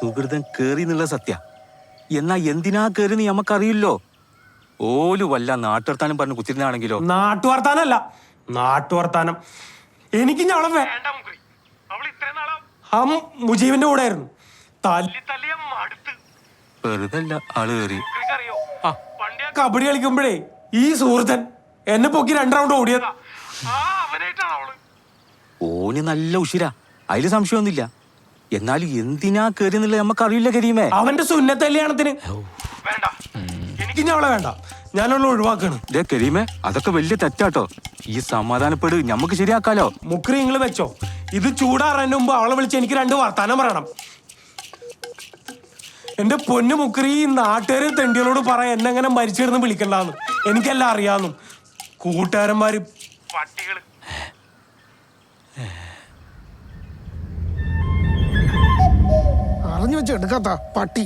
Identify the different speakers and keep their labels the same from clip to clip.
Speaker 1: സുഹൃതൻ കേറി എന്നുള്ള സത്യ. എന്നാ എന്തിനാ കേറിന്ന് നമുക്കറിയില്ലോ. ഓല് വല്ല നാട്ടുവർത്താനം പറഞ്ഞു കുത്തിരുന്നാണെങ്കിലോ?
Speaker 2: നാട്ടുവർത്താനല്ല, നാട്ടുവർത്താനം. എനിക്ക് ഞങ്ങളെ മുജീബിന്റെ കൂടെ ആയിരുന്നു.
Speaker 1: വെറുതെ അല്ല ആള് കയറി.
Speaker 2: കബഡി കളിക്കുമ്പോഴേ ഈ സുഹൃത്തൻ എന്നെ പൊക്കി 2 റൗണ്ട് ഓടിയതാ.
Speaker 1: ഓന് നല്ല ഉഷിര, അതില് സംശയമൊന്നുമില്ല. എന്നാലും എന്തിനാ കേറി എന്നുള്ളത് നമുക്കറിയില്ല കരീമേ.
Speaker 2: അവന്റെ സുന്നത്ത് കല്യാണത്തിന് എനിക്ക് ഞങ്ങളെ വേണ്ട, ഞാനുള്ള ഒഴിവാക്കാണ്.
Speaker 1: കരീമേ, അതൊക്കെ വലിയ തെറ്റാട്ടോ. ഈ സമാധാനപ്പെട്, ഞമ്മക്ക് ശരിയാക്കാലോ.
Speaker 2: മുക്രി നിങ്ങൾ വെച്ചോ. ഇത് ചൂടാറാൻ്റെ മുമ്പ് അവളെ വിളിച്ച് എനിക്ക് 2 വർത്താനം പറയണം. എന്റെ പൊന്നു മുക്രി, ഈ നാട്ടുകാര് തെണ്ടികളോട് പറയാൻ എന്നെങ്ങനെ മരിച്ചിരുന്ന് വിളിക്കണ്ടെന്ന്. എനിക്കെല്ലാം അറിയാന്നു. കൂട്ടുകാരന്മാര് പട്ടികള്.
Speaker 3: അറിഞ്ഞു വെച്ച് എടുക്കാത്ത പട്ടി.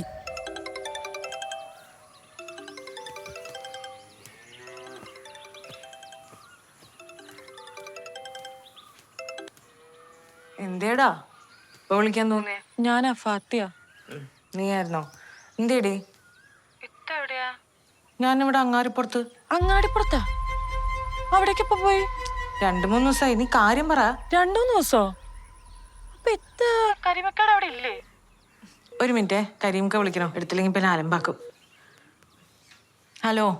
Speaker 4: എന്തേടാ ഇപ്പൊ വിളിക്കാൻ തോന്നിയേ?
Speaker 5: ഞാനാ ഫാത്തിയ.
Speaker 4: നീയായിരുന്നോ? എന്തേടി?
Speaker 5: എവിടെയാ?
Speaker 4: ഞാനിവിടെ അങ്ങാടിപ്പുറത്ത്.
Speaker 5: അങ്ങാടിപ്പുറത്താ? അവിടേക്ക് ഇപ്പൊ പോയി?
Speaker 4: 2-3 ദിവസമായി. നീ കാര്യം പറ.
Speaker 5: 2-3 ദിവസോ? അപ്പൊ കരിമക്കാട് അവിടെ ഇല്ലേ?
Speaker 4: ഒരു മിനിറ്റ്, കരീംക്ക വിളിക്കണോ? എടുത്തില്ലെങ്കിൽ പിന്നെ അലമ്പാക്കും. ഹലോ.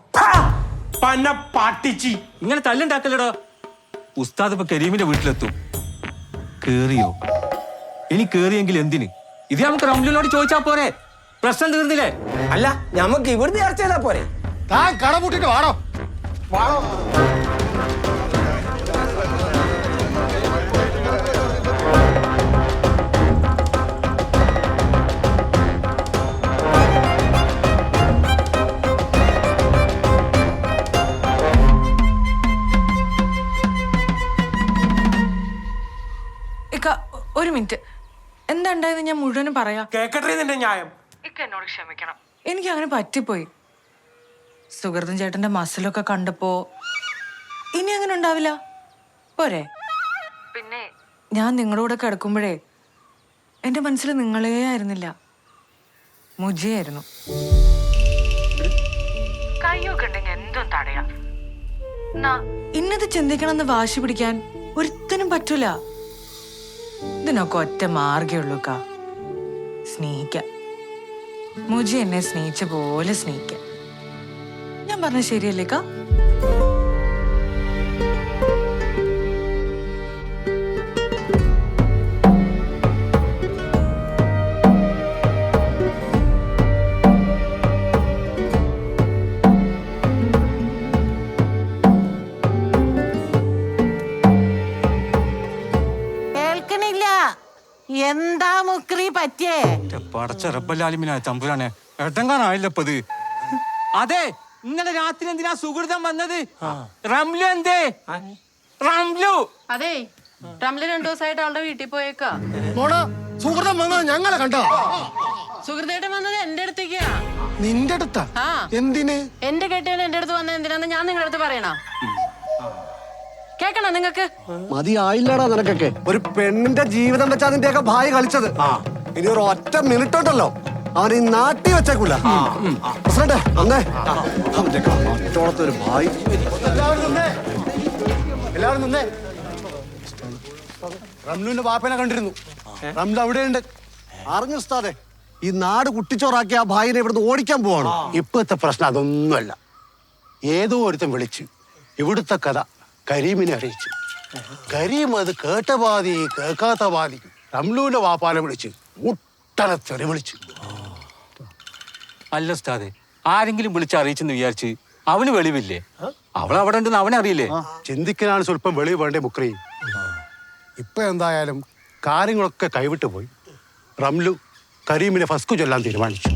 Speaker 1: ഇങ്ങനെ തല്ലുണ്ടാക്കല്ലടോ. ഉസ്താദ് ഇപ്പൊ കരീമിന്റെ വീട്ടിലെത്തും. കേറിയോ? ഇനി കേറിയെങ്കിൽ എന്തിന്? ഇത് നമുക്ക് റംലുവിനോട് ചോദിച്ചാ പോരെ? പ്രശ്നം തീർന്നില്ലേ?
Speaker 6: അല്ല, നമുക്ക് ഇവിടുന്ന് ചർച്ച ചെയ്താ പോരെ?
Speaker 3: താൻ കട പൂട്ടിട്ട് വാടോ. വാടോ.
Speaker 4: ഒരു മിനിറ്റ്, എന്താ ഉണ്ടായത് ഞാൻ മുഴുവനും പറയാം.
Speaker 2: കേക്കട്ടെ നിന്റെ ന്യായം.
Speaker 4: എന്നോട് ക്ഷമിക്കണം, എനിക്ക് അങ്ങനെ പറ്റിപ്പോയി. സുഹൃത്തും ചേട്ടന്റെ മസിലൊക്കെ കണ്ടപ്പോ ഇനി അങ്ങനെ ഉണ്ടാവില്ല പോരെ? പിന്നെ ഞാൻ നിങ്ങളുടെ കൂടെ കിടക്കുമ്പോഴേ എന്റെ മനസ്സിൽ നിങ്ങളേ ആയിരുന്നില്ല, മുജിയായിരുന്നു. കയ്യൊക്കെ ഉണ്ടെങ്കിൽ എന്തും തടയാ. ഇന്നത് ചിന്തിക്കണമെന്ന് വാശി പിടിക്കാൻ ഒരുത്തനും പറ്റൂല. ഇതിനൊക്കെ ഒറ്റ മാർഗമുള്ളൂക്കാ, സ്നേഹിക്കാം. മുജി എന്നെ സ്നേഹിച്ച പോലെ സ്നേഹിക്കാം. ഞാൻ പറഞ്ഞ ശരിയല്ലേക്കാ?
Speaker 7: എന്താ മുക്രി പറ്റിയേ?
Speaker 1: പടച്ച റബ്ബല്ലാലിമിനാ തമ്പുരാനെ, എട്ടങ്കാനായില്ലപ്പത്. അതെ, ഇന്നലെ രാത്രി എന്തിനാ സുഹൃതം വന്നത്? റംലു എന്തേ? റംലു
Speaker 5: അതെ, റംലു 2 ദിവസമായിട്ട് അവളുടെ വീട്ടിൽ പോയേക്കാ.
Speaker 3: സുഹൃതം വന്നത് ഞങ്ങളെ കണ്ടോ?
Speaker 5: സുഹൃത്തേട്ടൻ വന്നത് എന്റെ അടുത്തേക്കാ.
Speaker 3: നിന്റെ അടുത്താ? എന്തിന്?
Speaker 5: എന്റെ കെട്ടിയവൻ എന്റെ അടുത്ത് വന്നത് എന്തിനാന്ന് ഞാൻ നിങ്ങളുടെ അടുത്ത് പറയണോ? കേക്കണോ നിങ്ങക്ക്?
Speaker 6: മതിയായില്ലടാ നിനക്കൊക്കെ. ഒരു പെണ്ണിന്റെ ജീവിതം വെച്ചാ അതിന്റെയൊക്കെ ഭായി കളിച്ചത്. ഇനി ഒരു ഒറ്റ മിനിറ്റ് ഉണ്ടല്ലോ അവൻ ഈ നാട്ടി വെച്ചേക്കൂല. ഒരു ഭായി.
Speaker 3: എല്ലാവരും നിന്നേ. റംലുവിന്റെ ബാപ്പനെ കണ്ടിരുന്നു. റംലു അവിടെയുണ്ട്.
Speaker 6: അറിഞ്ഞു ഉസ്താദേ, ഈ നാട് കുട്ടിച്ചോറാക്കി ആ ഭായിനെ ഇവിടുന്ന് ഓടിക്കാൻ പോവാണ്.
Speaker 3: ഇപ്പോഴത്തെ പ്രശ്നം അതൊന്നുമല്ല. ഏതോ ഒരുത്തൻ വിളിച്ചു ഇവിടുത്തെ കഥ കരീമിനെ അറിയിച്ചു. കരീം അത് കേട്ട പാതി കേൾക്കാത്ത പാതി റംലുവിന്റെ വാപ്പാനെ വിളിച്ച് മുട്ടനെ തെറി വിളിച്ചു.
Speaker 1: അല്ല ഉസ്താദേ, ആരെങ്കിലും വിളിച്ച് അറിയിച്ചെന്ന് വിചാരിച്ച് അവന് വെളിവില്ലേ? അവളവിടെ ഉണ്ടെന്ന് അവനെ അറിയില്ലേ?
Speaker 3: ചിന്തിക്കാനാണ് സ്വല്പം വെളിവ് വേണ്ടേ മുക്രി. ഇപ്പൊ എന്തായാലും കാര്യങ്ങളൊക്കെ കൈവിട്ടു പോയി. റംലു കരീമിനെ ഫസ്കു ചൊല്ലാൻ തീരുമാനിച്ചു.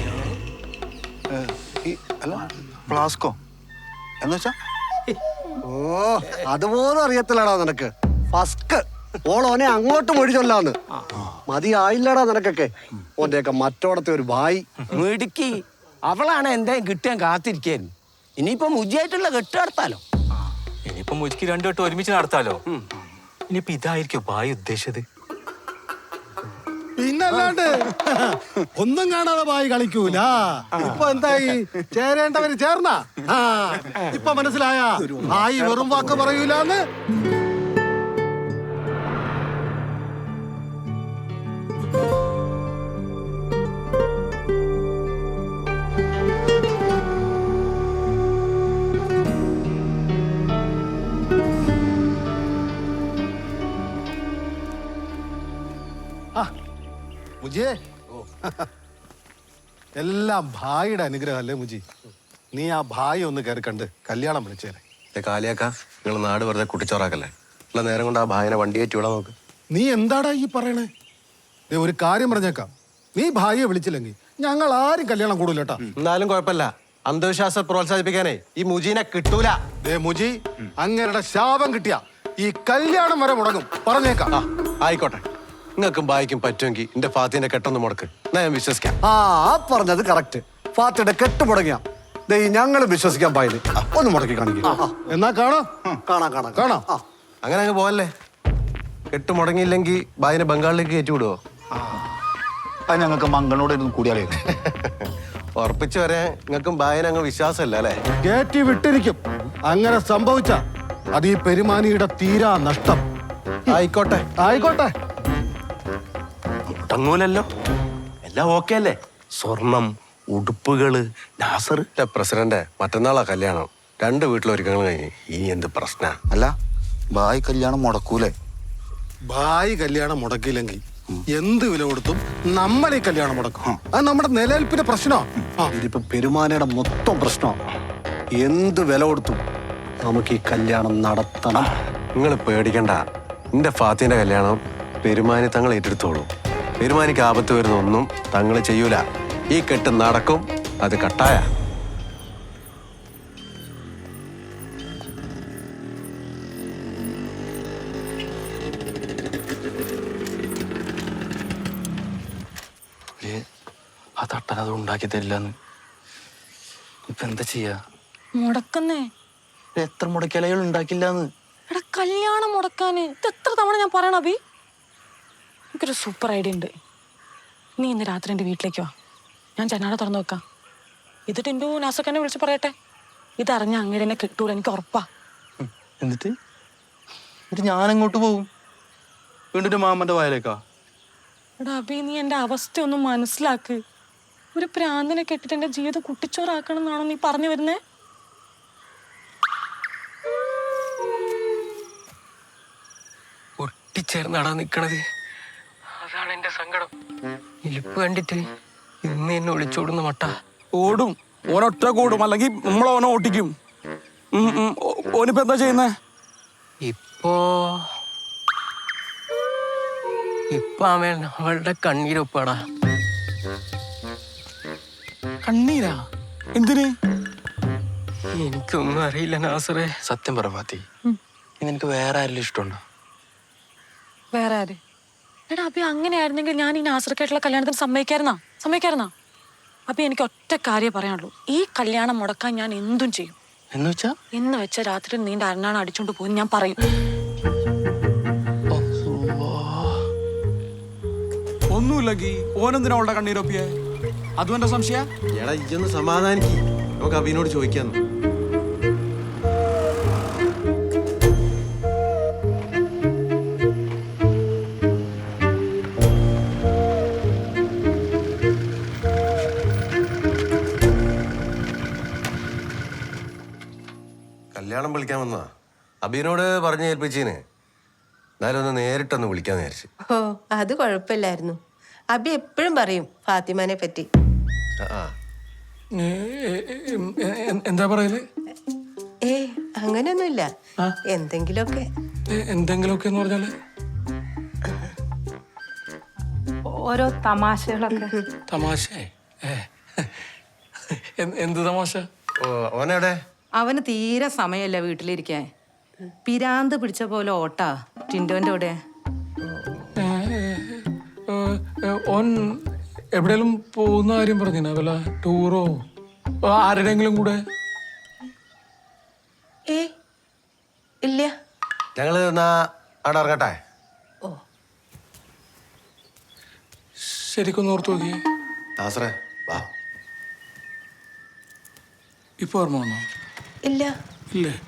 Speaker 6: ഫ്ലാസ്കോ എന്നുവെച്ചാ? ഓ, അതുപോലും അറിയത്തില്ലടാ നിനക്ക്. ഫസ്ക് ഓളോനെ അങ്ങോട്ട് മൊഴി ചൊല്ലാന്ന്. മതിയായില്ലടാ നിനക്കൊക്കെ. ഓന്റെയൊക്കെ മറ്റോടത്തെ ഒരു ഭായി മിടുക്കി. അവളാണ് എന്തായാലും കിട്ടാൻ കാത്തിരിക്കായിരുന്നു. ഇനിയിപ്പോ മുജിയായിട്ടുള്ള കെട്ട് നടത്താലോ.
Speaker 1: ഇനിയിപ്പോ മുജിക്ക് 2 വട്ടം ഒരുമിച്ച് നടത്താലോ. ഇനിയിപ്പോ ഇതായിരിക്കും ഭായി ഉദ്ദേശിച്ചത്.
Speaker 3: പിന്നല്ലാണ്ട് ഒന്നും കാണാതെ ഭായി കളിക്കൂല. ഇപ്പൊ എന്തായി, ചേരേണ്ടവര് ചേർന്ന. ഇപ്പൊ മനസ്സിലായ ഭായി വെറും വാക്ക് പറയൂലെന്ന്. മുജിയെ, എല്ലാം ഭായിയുടെ അനുഗ്രഹം അല്ലേ മുജി? നീ ആ ഭായി ഒന്ന് കയറി കണ്ട് കല്യാണം വിളിച്ചേരെ.
Speaker 8: കാലിയാക്ക, നിങ്ങൾ നാട് വെറുതെ കുട്ടിച്ചോറാക്കല്ലേ. ഉള്ള നേരം കൊണ്ട് ആ ഭായനെ വണ്ടി കയറ്റി വിടാൻ നോക്ക്.
Speaker 3: നീ എന്താടാ ഈ പറയണേ? ദേ ഒരു കാര്യം പറഞ്ഞേക്കാം, നീ ഭായിയെ വിളിച്ചില്ലെങ്കിൽ ഞങ്ങൾ ആരും കല്യാണം കൂടൂല കേട്ടാ.
Speaker 8: എന്നാലും കുഴപ്പമില്ല, അന്ധവിശ്വാസം പ്രോത്സാഹിപ്പിക്കാനേ ഈ മുജീനെ കിട്ടൂല.
Speaker 3: ദേ മുജി, അങ്ങേരുടെ ശാപം കിട്ടിയ ഈ കല്യാണം വരെ മുടങ്ങും, പറഞ്ഞേക്കാം.
Speaker 8: ആയിക്കോട്ടെ, നിങ്ങൾക്കും ഭായിക്കും പറ്റുമെങ്കിൽ എന്റെ ഫാത്തിന്റെ കെട്ടൊന്ന് മുടക്ക്, എന്നാ ഞാൻ വിശ്വസിക്കാം.
Speaker 6: പറഞ്ഞത് കറക്റ്റ്. ഫാത്തിയുടെ കെട്ട് മുടങ്ങിയ ഞങ്ങൾ വിശ്വസിക്കാൻ പായില്. ഒന്ന് മുടക്കി കാണിക്കാം.
Speaker 3: എന്നാ കാണാം.
Speaker 6: കാണാം കാണാം
Speaker 3: കാണാം.
Speaker 8: അങ്ങനെ അങ്ങ് പോവല്ലേ. കെട്ട് മുടങ്ങിയില്ലെങ്കിൽ ഭായിനെ ബംഗാളിലേക്ക് കയറ്റി വിടുവോ?
Speaker 9: അത് ഞങ്ങൾക്ക് മംഗളോട് ഇരുന്ന് കൂടിയാലേ.
Speaker 8: ഉറപ്പിച്ചു വരെ നിങ്ങൾക്കും ഭായനെ അങ്ങ് വിശ്വാസമല്ല അല്ലേ?
Speaker 3: കയറ്റി വിട്ടിരിക്കും. അങ്ങനെ സംഭവിച്ച അത് ഈ പെരുമാനിയുടെ തീരാ നഷ്ടം.
Speaker 8: ആയിക്കോട്ടെ
Speaker 3: ആയിക്കോട്ടെ.
Speaker 9: മുടങ്ങൂലല്ലോ, എല്ലാം ഓക്കെ അല്ലേ? സ്വർണം, ഉടുപ്പുകള്, നാസർ.
Speaker 8: പ്രസിഡന്റ്, മറ്റന്നാളാ കല്യാണം. 2 വീട്ടിലൊരുക്കങ്ങൾ കഴിഞ്ഞ് ഈ എന്ത് പ്രശ്ന?
Speaker 9: അല്ല, ഭായ് കല്യാണം മുടക്കൂലേ?
Speaker 3: ഭായി കല്യാണം മുടക്കിയില്ലെങ്കിൽ എന്ത് വില കൊടുത്തും നമ്മൾ ഈ കല്യാണം മുടക്കും. അത് നമ്മുടെ നിലനിൽപ്പിന്റെ പ്രശ്നമാണ്.
Speaker 6: ഇതിപ്പോ പെരുമാനയുടെ മൊത്തം പ്രശ്നമാണ്. എന്ത് വില കൊടുത്തും നമുക്ക് ഈ കല്യാണം നടത്തണം.
Speaker 8: നിങ്ങൾ പേടിക്കണ്ട, എന്റെ ഫാത്തിന്റെ കല്യാണം പെരുമാനി തങ്ങൾ ഏറ്റെടുത്തോളൂ. പെരുമാനിക്ക് ആപത്ത് വരുന്നൊന്നും തങ്ങൾ ചെയ്യൂല. ഈ കെട്ട് നടക്കും, അത് കട്ടായ.
Speaker 9: ആ തട്ടൻ അത് ഉണ്ടാക്കി തരില്ലെന്ന്. ഇപ്പൊ എന്താ ചെയ്യാ?
Speaker 5: മുടക്കുന്നേ.
Speaker 9: എത്ര മുടക്കിയാലും ഉണ്ടാക്കില്ലാന്ന്.
Speaker 5: എടാ, കല്യാണം മുടക്കാന് ഇത് എത്ര തവണ ഞാൻ പറയണം അബി? എനിക്കൊരു സൂപ്പർ ഐഡിയ ഉണ്ട്. നീ ഇന്ന് രാത്രി എൻ്റെ വീട്ടിലേക്ക് വാ, ഞാൻ ജനാല തുറന്നു വെക്കാം. ഇത് ടിൻഡു നാസൊക്കെ വിളിച്ച് പറയട്ടെ. ഇതറിഞ്ഞ അങ്ങനെ എന്നെ കിട്ടൂല, എനിക്ക് ഉറപ്പാ.
Speaker 9: എന്നിട്ട് ഞാൻ എങ്ങോട്ട് പോകും? വീണ്ടും മാമന്റെ വായലേക്കാ?
Speaker 5: എടാ അബി, നീ എൻ്റെ അവസ്ഥ ഒന്ന് മനസ്സിലാക്ക്. ഒരു പ്രാന്തനെ കെട്ടിട്ട് എൻ്റെ ജീവിതം കുട്ടിച്ചോറാക്കണം എന്നാണോ നീ പറഞ്ഞു വരുന്നേ?
Speaker 10: ഒട്ടിച്ചേർന്നാടാ നിക്കണത്. അതാണ് എന്റെ സങ്കടം. ഇലിപ്പ് കണ്ടിട്ട് ഇന്ന് എന്നെ ഒളിച്ചോടുന്ന മട്ട.
Speaker 2: ഓടും, ഓനൊറ്റ കൂടും, അല്ലെങ്കിൽ നമ്മളോനെ ഓട്ടിക്കും. ഓനിപ്പോ എന്താ ചെയ്യുന്നേ?
Speaker 10: ഇപ്പോ അവൻ അവളുടെ കണ്ണീരൊപ്പാടാ.
Speaker 2: കണ്ണീരാ? എന്തിന്?
Speaker 10: എനിക്കൊന്നും അറിയില്ല നാസറേ.
Speaker 9: സത്യം പറ ഫാത്തി, നിനക്ക് വേറെ ആരെങ്കിലും ഇഷ്ടമുണ്ടോ?
Speaker 5: വേറെ ആര്? എടാ അബി, അങ്ങനെയായിരുന്നെങ്കിൽ ഞാൻ ഈ നാസർക്കായിട്ടുള്ള കല്യാണത്തിന് സമ്മതിക്കായിരുന്നാ? അബി, എനിക്ക് ഒറ്റ കാര്യം പറയാനുള്ളൂ. ഈ കല്യാണം മുടക്കാൻ ഞാൻ എന്തും ചെയ്യും. എന്ന് വെച്ച രാത്രി നീണ്ട അരണാണ് അടിച്ചോണ്ട് പോയി ഞാൻ പറയും.
Speaker 2: ഒന്നുമില്ലെങ്കിൽ ഓനെന്തിനാ അവളുടെ കണ്ണീരൊപ്പിയെ? അതും എന്റെ സംശയ.
Speaker 8: എടാ, ഇതൊന്ന് സമാധാനിക്ക്, നമുക്ക് അബീനോട് ചോദിക്കാന്ന്. കല്യാണം വിളിക്കാൻ വന്നാ അബീനോട് പറഞ്ഞു ഏൽപ്പിച്ചീന്. എന്നാലും ഒന്ന് നേരിട്ടൊന്ന് വിളിക്കാന്ന് വിചാരിച്ചു.
Speaker 11: ഓ, അത് കുഴപ്പമില്ലായിരുന്നു. അബി എപ്പോഴും പറയും ഫാത്തിമാനെ പറ്റി.
Speaker 2: എന്താ പറയല്?
Speaker 11: അങ്ങനെയൊന്നുമില്ല, എന്തെങ്കിലുമൊക്കെ.
Speaker 2: എന്തെങ്കിലുമൊക്കെ എന്ന് പറഞ്ഞാല്
Speaker 5: ഓരോ തമാശകളൊക്കെ.
Speaker 2: തമാശ? എന്ത് തമാശ?
Speaker 8: ഓനെവിടെ?
Speaker 4: അവന് തീരെ സമയമല്ല വീട്ടിലിരിക്കാൻ. പിരാന്ത് പിടിച്ച പോലെ ഓട്ടാ ടിൻഡോന്റെ കൂടെ.
Speaker 2: ഓൻ എവിടെയെങ്കിലും പോകുന്ന കാര്യം പറഞ്ഞിനാ? വല്ല ടൂറോ ആരുടെങ്കിലും കൂടെ?
Speaker 11: ഇല്ല.
Speaker 8: ഞങ്ങള് എന്നാ അവിടെ ഇറങ്ങട്ടെ.
Speaker 2: ശരിക്കൊന്ന് ഓർത്ത് നോക്കിയേ.
Speaker 8: നാസറേ വാ.
Speaker 2: ഇപ്പൊ ഓർമ്മ വന്നോ?
Speaker 11: ഇല്ല
Speaker 2: ഇല്ലേ?